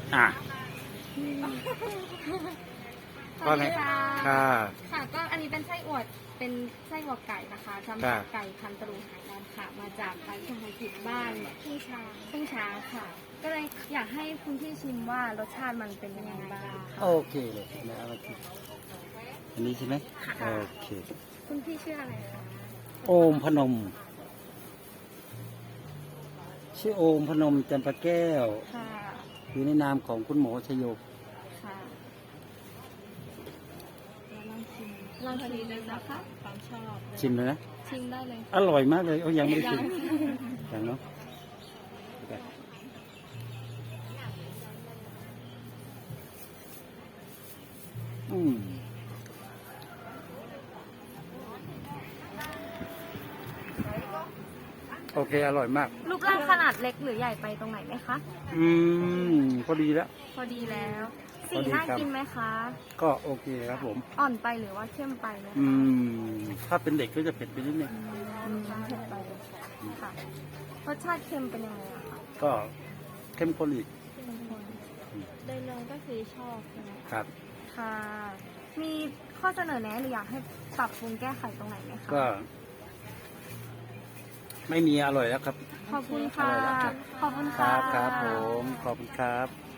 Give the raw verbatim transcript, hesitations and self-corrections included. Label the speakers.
Speaker 1: อ่ะก็ไง
Speaker 2: ค่ะ
Speaker 1: ค่ะ
Speaker 2: ค่ะก็อันนี้เป็นไส้อวดเป็นไส้อวดไก่นะคะทำจากไก่พันธุ์ตะลุงไหหลำค่ะมาจากร้านชมพูจิตบ้านทุ่งช้างทุ่งช้างค่ะ ก็เลยอยากให้คุณพี่ชิมว่ารสชาติมันเป็นยังไงบ้างค่ะ
Speaker 1: โอเคเลยนะเอามาชิมอันนี้ใช่ไหม
Speaker 2: ค่ะ
Speaker 1: โอเค
Speaker 2: คุณพี่ชื่ออะไรคะ
Speaker 1: โอมพนม ชื่อโอมพนมจันปะแก้ว
Speaker 2: ค่ะ
Speaker 1: อยู่ในนามของคุณหมอชโย
Speaker 2: ค่ะแล้วลองชิมลองชิมเลยนะคะความชอบ
Speaker 1: ชิมเลยนะ
Speaker 2: ชิมได้เลย
Speaker 1: อร่อยมากเลยโอ้ยังไม่ได้ชิมยังเนาะอืมโอเค อร่อยมาก
Speaker 2: รูปร่างขนาดเล็กหรือใหญ่ไปตรงไหนไหมคะ
Speaker 1: อืมพอดีแล้ว
Speaker 2: พอดีแล้ว
Speaker 1: พ
Speaker 2: สี
Speaker 1: อดี
Speaker 2: น่า
Speaker 1: ครับ
Speaker 2: กินไหมคะ
Speaker 1: ก็โอเคครับผม
Speaker 2: อ่อนไปหรือว่าเข้มไปไหมคะ
Speaker 1: อืม ถ้าเป็นเด็กก็จะเผ็ดไปนิดนึง
Speaker 2: อืมเผ็ดไปค่ะรสชาติเค็มเป็นยังไงอะคะ
Speaker 1: ก็เข้มข้นอีก
Speaker 2: เข้มข้นโดยรวมก็คือชอบใช่ไหม
Speaker 1: ครับ
Speaker 2: ค่ะ มีข้อเสนอแนะหรืออยากให้ปรับปรุงแก้ไขตรงไหนไหมคะ
Speaker 1: ก็ ไม่มีอร่อยแล้วครับ
Speaker 2: ขอบคุณค่ะ
Speaker 1: อร่อยแล้วครับ
Speaker 2: ขอบคุณ
Speaker 1: ค
Speaker 2: ค่ะ
Speaker 1: รับครับผม ขอบคุณครับ